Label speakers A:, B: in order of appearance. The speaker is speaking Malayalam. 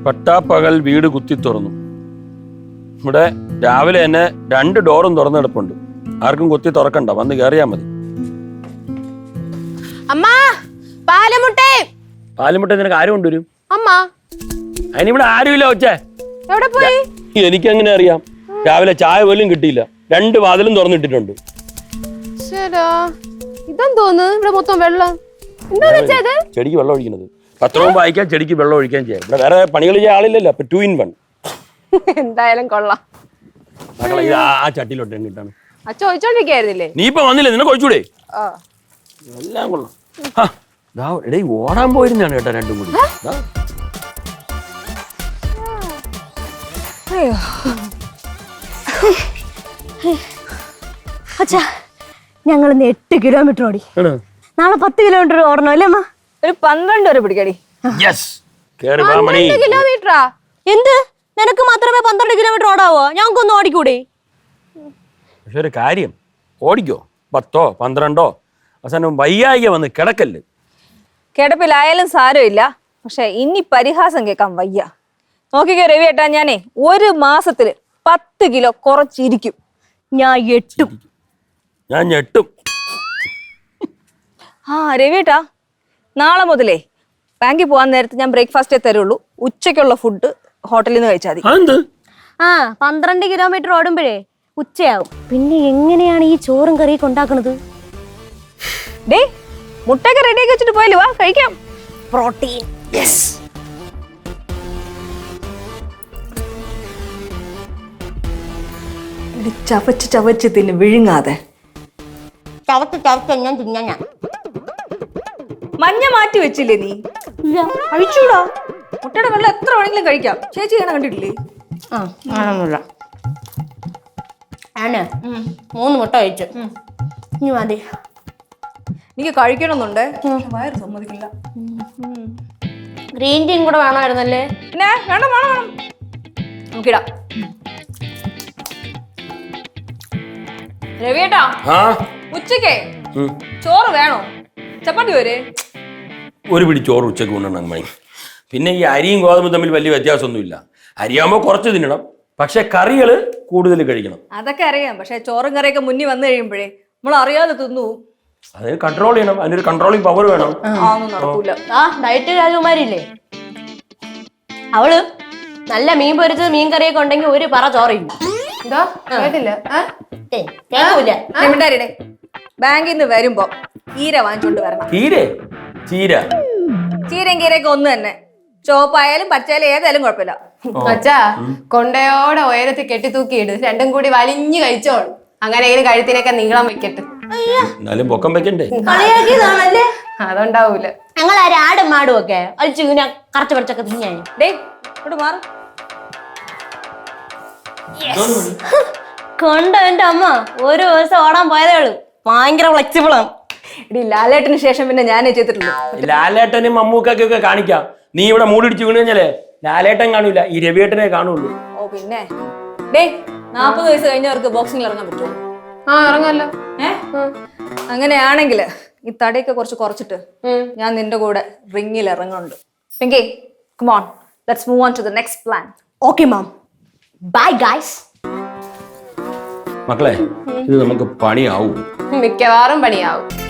A: പട്ടാപ്പകൽ വീട് കുത്തി തുറന്നു. ഇവിടെ രാവിലെ തന്നെ 2 ഡോറും തുറന്നെടുപ്പുണ്ട്. ആർക്കും കുത്തി തുറക്കണ്ട, വന്ന് കയറിയാ മതി. പാലുമുട്ട നിനക്ക് ആരും കൊണ്ടുവരും? അതിനിവിടെ ആരുമില്ല. ഒച്ചേ എനിക്കെങ്ങനെ അറിയാം? രാവിലെ ചായ പോലും കിട്ടിയില്ല. 2 വാതിലും തുറന്നിട്ടിട്ടുണ്ട്. ചെടിക്ക് വെള്ളം ഒഴിക്കുന്നത്. പത്രവും വായിക്കാൻ, ചെടിക്ക് വെള്ളം ഒഴിക്കാൻ ചെയ്യാം. ഇവിടെ വേറെ പണികൾ ചെയ്യാൻ ആളില്ലല്ലോ. അപ്പൊ 2 in 1.
B: എന്തായാലും കൊള്ളാം.
A: മക്കളെ ഇത് ആ ചട്ടിയിലോട്ട് എണ്ണിട്ടാണ്.
B: ചോദിച്ചോണ്ടിരിക്കായിരുന്നില്ലേ?
A: നീ ഇപ്പൊ വന്നില്ലേ? നിന്നെ കൊഴിച്ചൂടെ? എല്ലാം കൊള്ളാം. എടേ ഓടാൻ പോയിരുന്നാണ് കേട്ടോ 2 കൂടി.
C: അച്ഛാ, ഞങ്ങൾ 8 കിലോമീറ്റർ ഓടി. നാളെ 10 കിലോമീറ്റർ ഓടണം അല്ലേ അമ്മ?
B: ഒരു 12 വരെ പിടിക്കടി.
C: കിലോമീറ്ററാ? എന്ത്, നിനക്ക് മാത്രമേ 12 കിലോമീറ്റർ ഓടാവോ? ഞങ്ങൾക്കൊന്നും ഓടിക്കൂടെ?
A: പക്ഷെ ഒരു കാര്യം, ഓടിക്കോ 10ഓ 12ഓ, അവസാനം വയ്യായിക വന്ന് കിടക്കല്ല്.
B: കിടപ്പിലായാലും സാരമില്ല, പക്ഷെ ഇനി പരിഹാസം കേൾക്കാൻ വയ്യ. നോക്കിക്കോ രവിയേട്ടാ, ഞാനേ 1 മാസത്തില് 10 കിലോ കുറച്ചിരിക്കും.
C: ഞാൻ ഞെട്ടും.
B: രവിയേട്ടാ, നാളെ മുതലേ ബാങ്കിൽ പോകാൻ നേരത്ത് ഞാൻ ബ്രേക്ക്ഫാസ്റ്റേ തരുള്ളൂ. ഉച്ചയ്ക്കുള്ള ഫുഡ് ഹോട്ടലിൽ നിന്ന് കഴിച്ചാൽ മതി.
C: 12 കിലോമീറ്റർ ഓടുമ്പോഴേ ഉച്ചയാവും. പിന്നെ എങ്ങനെയാണ് ഈ ചോറും കറിയൊക്കെ ഉണ്ടാക്കണത്?
B: ഡേ, മുട്ടയൊക്കെ റെഡിയാക്കി വെച്ചിട്ട് പോയാലോ, വാ കഴിക്കാം.
C: പ്രോട്ടീൻ. യെസ്.
B: ചവച്ച് ചവച്ച് തിന്ന് വിഴുങ്ങാതെ.
C: ഞാൻ തിന്നാ.
B: മഞ്ഞ മാറ്റി വെച്ചില്ലേ നീ? കഴിച്ചൂടാ. മുട്ടയുടെ വെള്ളം എത്ര വേണമെങ്കിലും കഴിക്കാം. ചേച്ചി ഇങ്ങനെ കണ്ടിട്ടില്ലേ?
C: ആണ് 3 മുട്ട കഴിച്ചു. ഇനി മതി.
B: എനിക്ക് കഴിക്കണമെന്നുണ്ട്, വയറ് സമ്മതിക്കില്ല.
C: ഗ്രീൻ ടീയും കൂടെ വേണമായിരുന്നല്ലേ?
B: പിന്നെ വേണം വേണം വേണം, നോക്കിടാം. രവിയേട്ടാ, ഉച്ചക്കേ ചോറ് വേണോ? ചപ്പാത്തി പോരെ?
A: ഒരു പിടി ചോറ് ഉച്ചക്ക് കൊണ്ടുവരണം മണി. പിന്നെ ഈ അരിയും ഗോതമ്പും തമ്മിൽ വലിയ വ്യത്യാസമൊന്നുമില്ല. അരിയാകുമ്പോൾ കുറച്ച് തിന്നണം, പക്ഷെ കറികൾ കൂടുതൽ കഴിക്കണം.
B: അതൊക്കെ അറിയാം, പക്ഷെ ചോറും കറിയൊക്കെ മുന്നിൽ വന്നു കഴിയുമ്പോഴേ നമ്മൾ അറിയാതെ തിന്നു.
A: അതിന് കൺട്രോൾ ചെയ്യണം, അതിനൊരു കൺട്രോളിങ് പവർ വേണം.
B: നടക്കൂല.
C: ഡയറ്റ് രാജകുമാരില്ലേ, അവള് നല്ല മീൻ പൊരിച്ചത് മീൻ കറിയൊക്കെ ഉണ്ടെങ്കിൽ ഒരു പറ ചോറില്ല.
B: ബാങ്കിൽ നിന്ന് വരുമ്പോ ചീര വാങ്ങിച്ചോണ്ട് വരണം. ചീരയും കീരയൊക്കെ ഒന്ന് തന്നെ, ചോപ്പായാലും പച്ചയായാലും ഏതായാലും കുഴപ്പമില്ല.
D: അച്ഛാ, കൊണ്ടയോടെ ഉയരത്തിൽ കെട്ടി തൂക്കിയിട്, 2ഉം കൂടി വലിഞ്ഞു കഴിച്ചോളും. അങ്ങനെ കഴുത്തിനൊക്കെ നീളം വെക്കട്ടെ.
A: പൊക്കം വെക്കണ്ടേ?
D: അതുണ്ടാവൂല.
C: ഞങ്ങൾ ആടും മാടും ഒക്കെ അഴിച്ചു ഇങ്ങനെ കറച്ച് പറിച്ചൊക്കെ തിന്നാ. കൊണ്ടോ എന്റെ അമ്മ, ഒരു ദിവസം ഓടാൻ പോയതേ ഉള്ളൂ. ഭയങ്കര ഫ്ലെക്സിബിൾ ആണ്.
B: ലാലേട്ടന് ശേഷം പിന്നെ ഞാനേ ചെയ്തിട്ടുള്ളൂ.
A: ലാലേട്ടനും മമ്മൂക്കൊക്കെ കാണിക്കാം. നീ ഇവിടെ മൂടിടിച്ച് വീണ് കഴിഞ്ഞാലേ ലാലേട്ടൻ കാണൂല, ഈ രവിയേട്ടനെ കാണുള്ളൂ.
B: ഓ പിന്നെ 40 വയസ്സ് കഴിഞ്ഞവർക്ക് ബോക്സിംഗിൽ ഇറങ്ങാൻ പറ്റുമോ?
D: ഇറങ്ങാലോ.
B: അങ്ങനെയാണെങ്കിൽ ഈ തടിയൊക്കെ കുറച്ചിട്ട് ഞാൻ നിന്റെ കൂടെ റിങ്ങിൽ ഇറങ്ങുന്നുണ്ട്. Pinky, come on, let's move on to the next plan.
C: Okay mom, bye guys.
A: മക്കളെ, ഇത് നമുക്ക് പണിയാവും.
D: മിക്കവാറും പണിയാവും.